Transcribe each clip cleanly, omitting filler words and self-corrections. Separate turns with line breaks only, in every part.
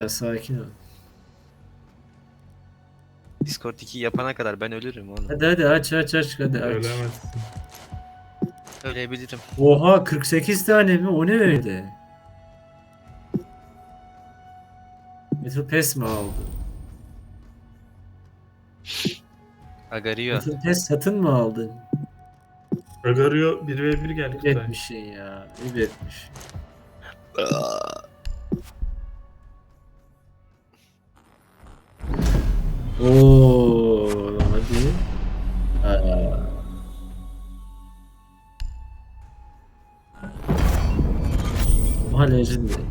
Ya sakin ol.
Discord 2 yapana kadar ben ölürüm oğlum.
Hadi hadi aç hadi aç.
Ölemezsin.
Ölebilirim.
Oha 48 tane mi? O ne öyle? Metal Pass mi aldın?
Agario.
Metal Pass satın mı aldın?
Agario 1v1 geldi
Ayıp
Kutay.
etmişsin ya. Ayıp etmiş. Oo hadi. Aa. Oha Legendary.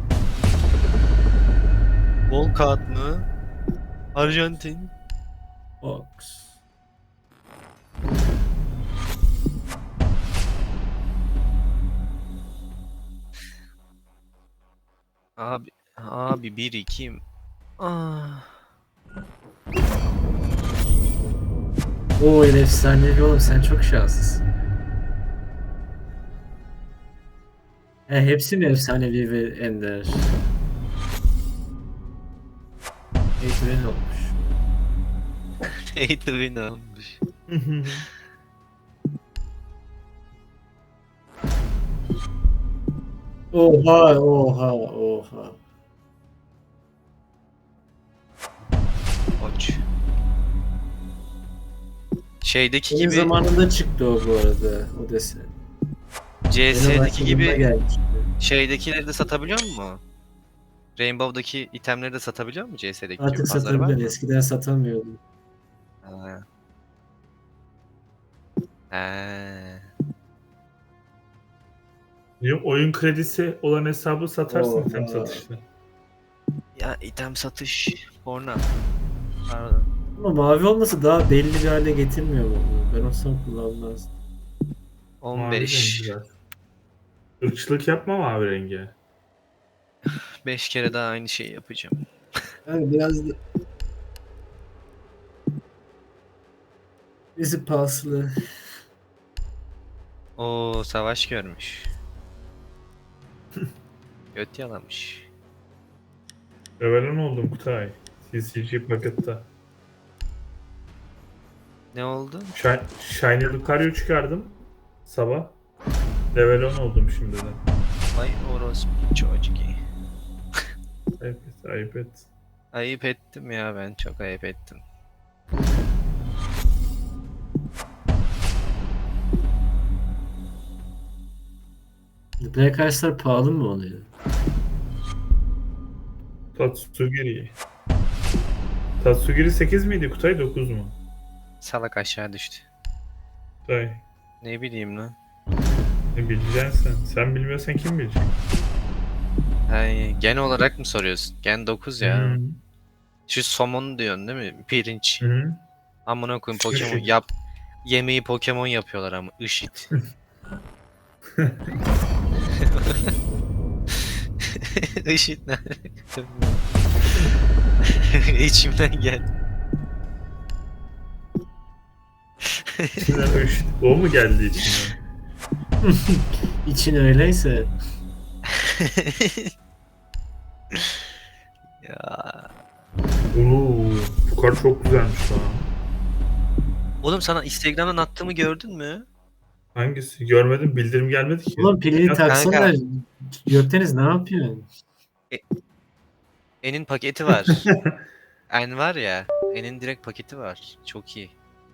Volkat mı? Arjantin.
Fox.
Abi 1-2. Ah.
Oo efsanevi oğlum sen çok şanslısın. Hepsi mi efsanevi ve ender? Eğitimin olmuş.
Neydi win almış.
Oha.
Koç. Şeydeki
Benim
gibi
zamanında çıktı o bu arada o desen. Benim
CS'deki
başladığımda
gibi
gelmişti.
şeydekileri de satabiliyor mu? Rainbow'daki itemleri de satabiliyor mu CS'deki gibi?
Artık
Pazarı var
satabiliyor.
mı?
Eskiden satamıyordum.
Ha. Ha.
Diyorum, oyun kredisi olan hesabı satarsın item
Oha.
satışta.
Ya item satış porno. Pardon.
Ama mavi olması daha belli bir hale getirmiyor mu? Ben olsam kullanmazdım.
Mavi rengi
15.
zaten. Irkçılık yapma mavi rengi.
5 kere daha aynı şeyi yapacağım.
Yani biraz da bizi paslı.
Oo savaş görmüş. Göt yalamış.
Revelan oldum Kutay. CCG pakette.
Ne oldu?
Shiny Lucario çıkardım. Sabah. Revelan oldum şimdiden.
Vay orospu çocuk.
Ayıp et, ayıp et.
Ayıp ettim ya ben çok ayıp ettim.
Black Ice'lar pahalı mı oluyor?
Tatsugiri. Tatsugiri 8 miydi Kutay 9 mu?
Salak aşağı düştü.
Kutay.
Ne bileyim lan.
Ne bileceksin sen? Sen bilmiyorsan kim bilecek?
Ay, gen olarak mı soruyorsun? Gen 9 ya.
Hı
Şu somon diyorsun değil mi? Pirinç.
hı.
Amına koyayım Pokemon
Işık.
yap. Yemeği Pokemon yapıyorlar ama IŞİD. IŞİD ne? İçimden gel.
İçinden o mu geldi içinden?
İçin öyleyse.
Ya.
Oo, bu kar çok güzelmiş lan.
Oğlum sana Instagram'dan attığımı gördün mü?
Hangisi? Görmedim. Bildirim gelmedi ki.
Ulan pilini
Ya,
taksana.
Kanka.
Gökdeniz ne yapıyorsun?
En'in paketi var. En var ya. En'in direkt paketi var. Çok iyi.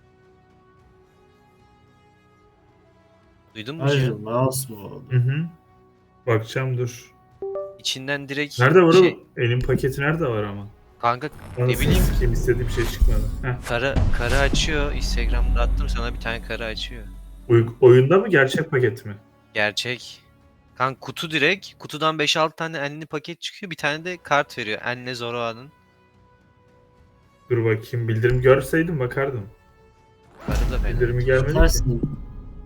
Duydun mu
Hayır
Cihan?
mouse mu oldu?
Hı hı. Bakacağım dur.
İçinden direkt
Nerede var
şey...
o? Elin paketi nerede var ama?
Kanka ne
Anasını
bileyim
sikeyim istediğim şey çıkmadı. Heh.
karı açıyor. Instagram'da attım sana bir tane karı açıyor.
Oyunda mı gerçek paket mi?
Gerçek. Kanka kutu direkt. Kutudan 5-6 tane enli paket çıkıyor. Bir tane de kart veriyor. Enle Zoroark'ın.
Dur bakayım. Bildirim görseydim bakardım.
Karı da fena.
Bildirimi gelmedi ki.
Atarsın.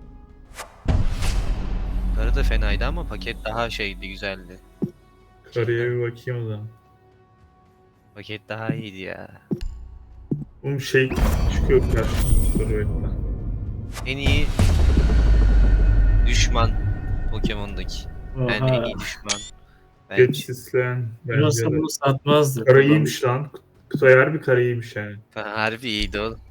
Karı da fenaydı ama paket daha şeydi, güzeldi.
Karıya bir bakayım o zaman.
Paket daha iyiydi ya.
Oğlum şey çıkıyor karşıma. Dur bekle.
En iyi düşman Pokemon'daki. En
Oha.
iyi düşman.
Geç
Bence.
sisleyen
Ben
bence
olsam
de.
bunu satmazdım.
Kara iyiymiş lan. Kutay harbi kara iyiymiş yani.
Harbi iyiydi oğlum.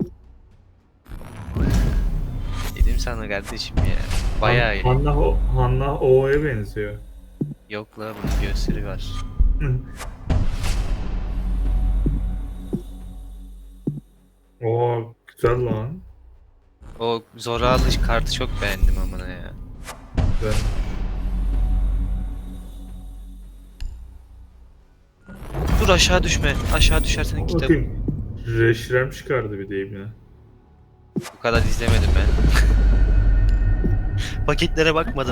Dedim sana kardeşim ya. Bayağı iyi.
Hanna O'ya benziyor.
Yok la bunun göğüsleri var.
Oo güzel lan.
O Zora alış kartı çok beğendim amına ya.
Güzel.
Dur aşağı düşme. Aşağı düşersen kitap.
Bakayım. Reşrem çıkardı bir deyim ya.
Bu kadar izlemedim ben. Paketlere bakmadım.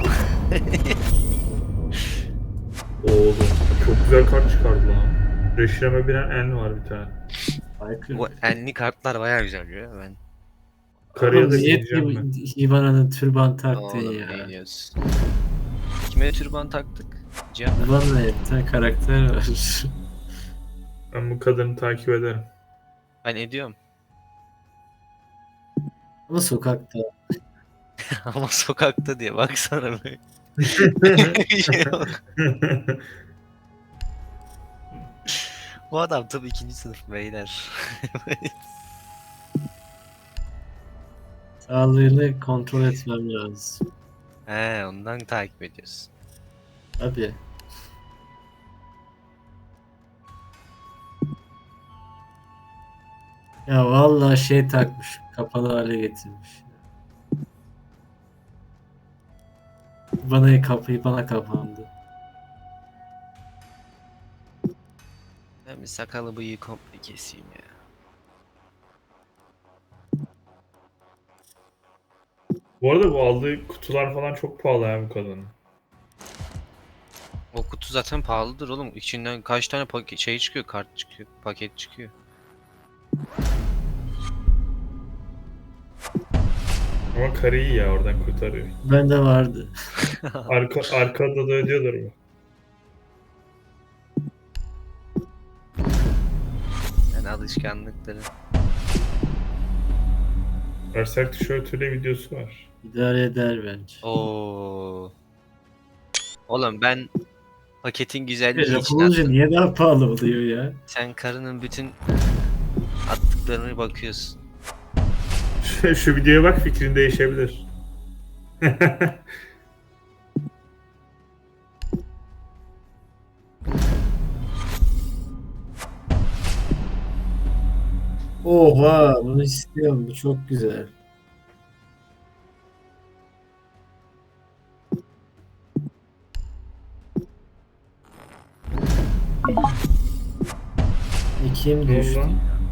Oğlum çok güzel kart çıkardı lan. Reşrem'e bilen en var bir tane.
Aykırı.
Bu enli kartlar bayağı güzel ya ben.
Karıya
Oğlum
da
niye
bineceğim ben.
Hibana'nın türban taktın
Oğlum
ya?
ne diyorsun? Kime türban taktık? Cihan.
Hibana'ya bir tane karakter var.
Ben bu kadını takip ederim.
Ben ediyorum.
Ama sokakta.
Ama sokakta diye baksana be. Bu adam tabii ikinci sınıf beyler.
Sağlığını kontrol etmem lazım.
He ondan takip ediyorsun.
Abi. Ya vallahi şey takmış. Kapalı hale getirmiş. Bana kapandı.
Ben bir sakalı bıyığı komple keseyim ya.
Bu arada bu aldığı kutular falan çok pahalı ya bu kadının.
O kutu zaten pahalıdır oğlum. İçinden kaç tane paket şey çıkıyor, kart çıkıyor, paket çıkıyor.
Ama karı iyi ya oradan kurtarıyor.
Bende vardı.
Arkada da ödüyorlar mı?
Yani alışkanlıkları.
Berserk tişörtüyle videosu var.
İdare eder bence.
Oo. Oğlum ben paketin güzelliği
Laf
için
olunca
attım.
niye daha pahalı oluyor ya?
Sen karının bütün attıklarına bakıyorsun.
Şu videoya bak fikrin değişebilir.
Oha bunu istiyorum. Bu çok güzel. İkim
Ne oldu
düştü.
lan?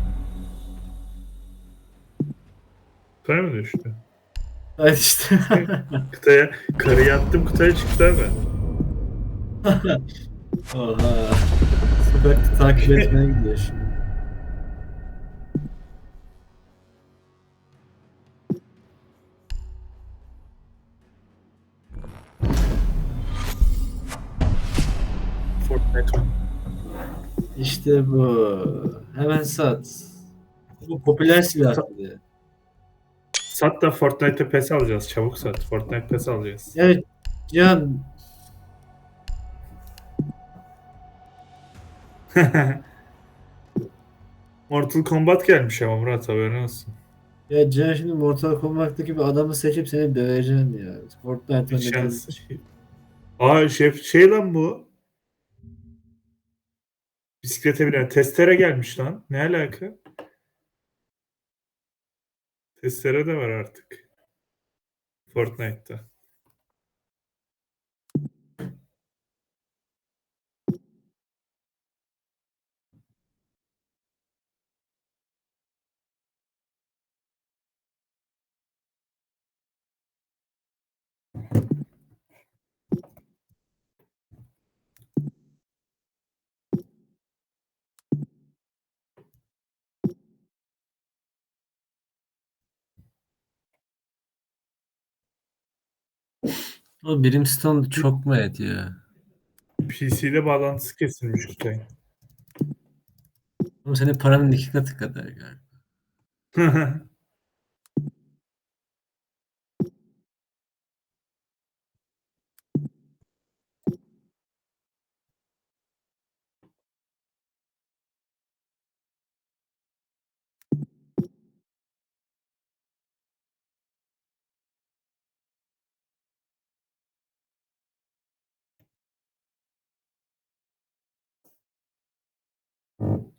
Kutaya mı düştü?
Hadi işte.
Kutaya, karıyı attım kutaya çıktı abi.
Oha. Sokakta takip etmeye gidiyor şimdi.
Fortnite.
İşte bu. Hemen sat. Bu popüler silah bir de.
Sat da Fortnite'e pes alacağız. Çabuk sat. Fortnite pes alacağız.
Evet Can.
Mortal Kombat gelmiş ama Murat haberin olsun.
Ya Can şimdi Mortal Kombat'taki bir adamı seçip seni döveceksin ya. Fortnite
Hiç
oynadığın
şans. Aa şey lan bu. Bisiklete binen testere gelmiş lan. Ne alaka? Testere de var artık. Fortnite'ta.
o Brimstone çok mu ediyor?
PC'de bağlantısı kesilmiş Kutay.
Oğlum senin paranın iki katı kadar galiba.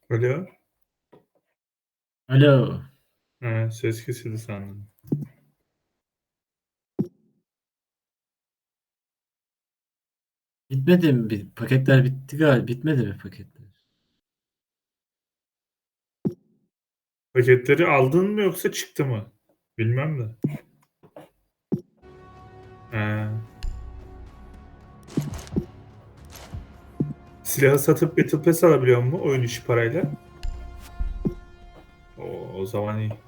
Alo.
Alo.
Ha, ses kesildi sandım.
Bitmedi mi? Paketler bitti galiba. Bitmedi mi paketler?
Paketleri aldın mı yoksa çıktı mı? Bilmem de. Ha. Silahı satıp Battle Pass alabiliyor mu oyun içi parayla? O zaman iyi.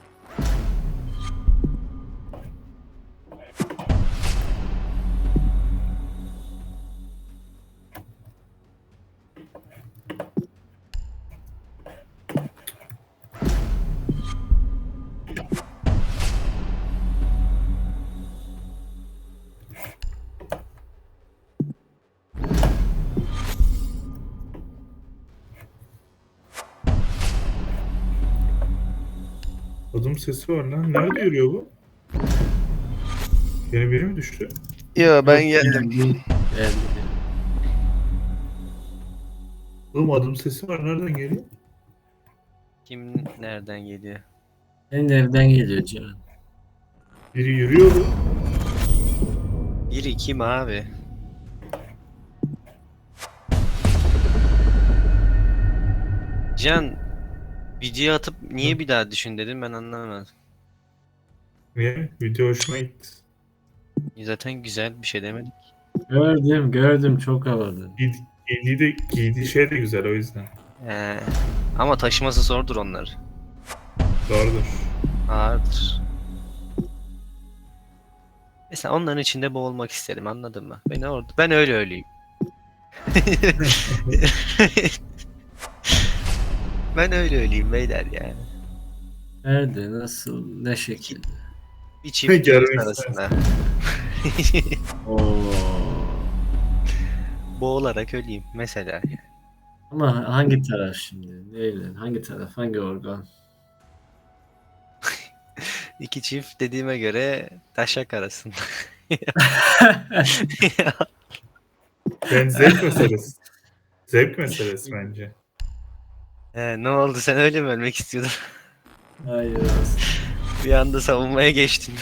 Adım sesi var lan. Nerede yürüyor bu? Yeni biri mi düştü?
Yo ben
Yok,
geldim.
Geldi.
Oğlum adım sesi var. Nereden geliyor?
Kim nereden geliyor?
Senin evden geliyor Can.
Biri yürüyordu.
Biri kim abi? Can video atıp niye bir daha düşün dedim ben anlamadım.
Niye? Video hoşuma gitti.
Zaten güzel bir şey demedik.
Gördüm çok havalı.
Giydiği şey de güzel o yüzden.
He. Ama taşıması zordur onlar.
Doğrudur.
Ağırdır. Mesela onların içinde boğulmak isterim anladın mı? Ben öyle öleyim. Ben öyle öleyim beyler yani.
Nerede? Nasıl? Ne şekilde?
Bir çift
Görmek
göz arasında.
Oo.
Boğularak öleyim mesela.
Ama hangi taraf şimdi? Neyle? Hangi taraf? Hangi organ?
İki çift dediğime göre taşak arasında.
Ben zevk meselesi. Zevk meselesi bence.
Ne oldu sen öyle mi ölmek istiyordun?
Hayır aslında.
Bir anda savunmaya geçtin.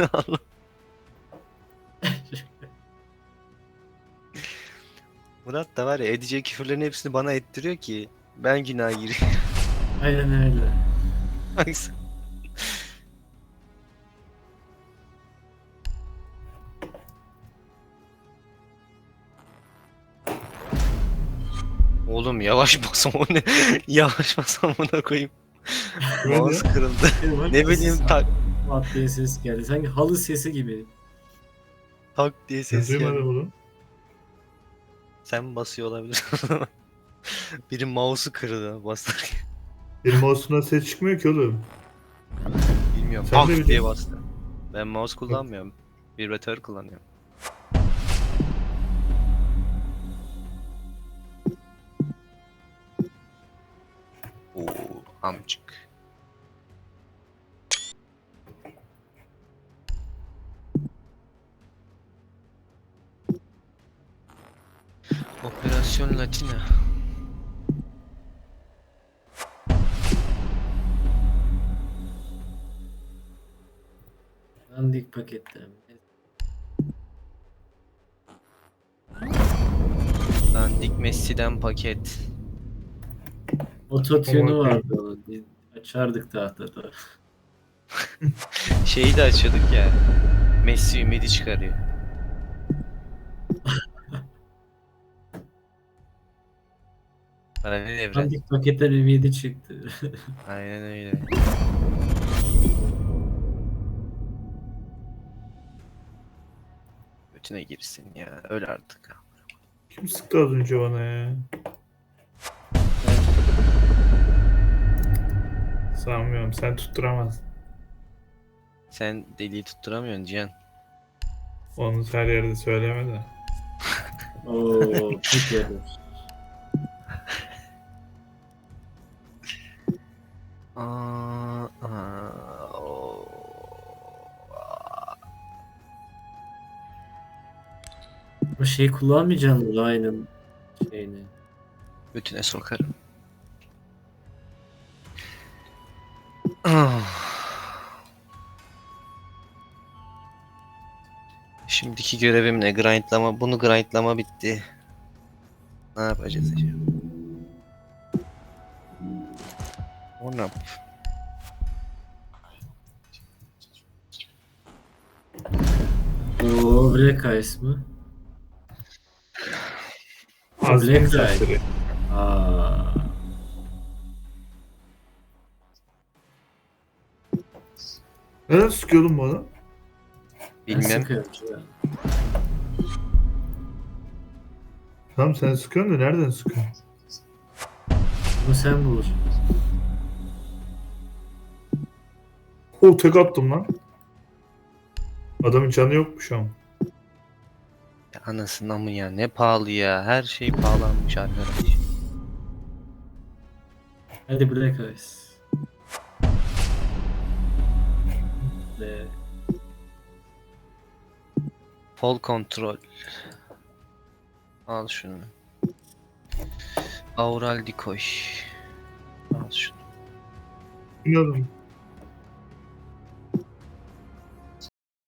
Murat da var ya edeceği küfürlerin hepsini bana ettiriyor ki ben günah giriyorum.
Aynen öyle.
Baksana. Oğlum yavaş basam o ne? Yavaş basam buna koyayım. Mouse kırıldı. Ne bileyim
Mat diye ses geldi. Sanki halı sesi gibi.
tak diye
Ben
ses
duymadım
geldi.
bunu.
Sen basıyor olabilirsin. Biri mouse'u kırdı basarken.
Benim mouse'umdan ses çıkmıyor ki oğlum.
Bilmiyorum.
Sen de
Pak diye
biliyorsun.
bastı. Ben mouse kullanmıyorum. Vibratör kullanıyorum. Oo, amcık. Operasyon Latina.
Dandik paketler.
Dandik Messi'den paket.
Ototune
Ama-
vardı onun. Biz açardık tahtada.
Şeyi de açıyorduk ya. Messi ümidi çıkarıyor. Paralel evren.
Dandik paketler ümidi çıktı.
Aynen öyle. Götüne girsin ya. Öl artık.
Kim sıktı az önce bana ya? Sanmıyorum. Sen tutturamazsın.
Sen deliği tutturamıyorsun Cihan.
Onu her yerde söyleme de.
Oo, peki.
Aa, aa, oo.
O şeyi kullanmayacaksın Ryan'ın şeyini.
Götüne sokarım. Şimdiki görevim ne? Grindlama. Bunu grindlama bitti. Ne yapacağız acaba? O ne yap?
O Black Ice mı?
Azmi
Black
dersleri.
Aa.
Neden sıkıyordun bu adam?
Ben
Bilmem.
sıkıyorum ya.
Tamam sen sıkıyorsun da nereden sıkıyorsun?
Bunu sen bul.
O tek attım lan. Adamın canı yokmuş ama.
Ya anasından mı ya? Ne pahalı ya. Her şey pahalanmış arkadaş.
Hadi Black Ice. Ve
Fall control. Al şunu. Aural decoy. Al şunu.
Bilmiyorum.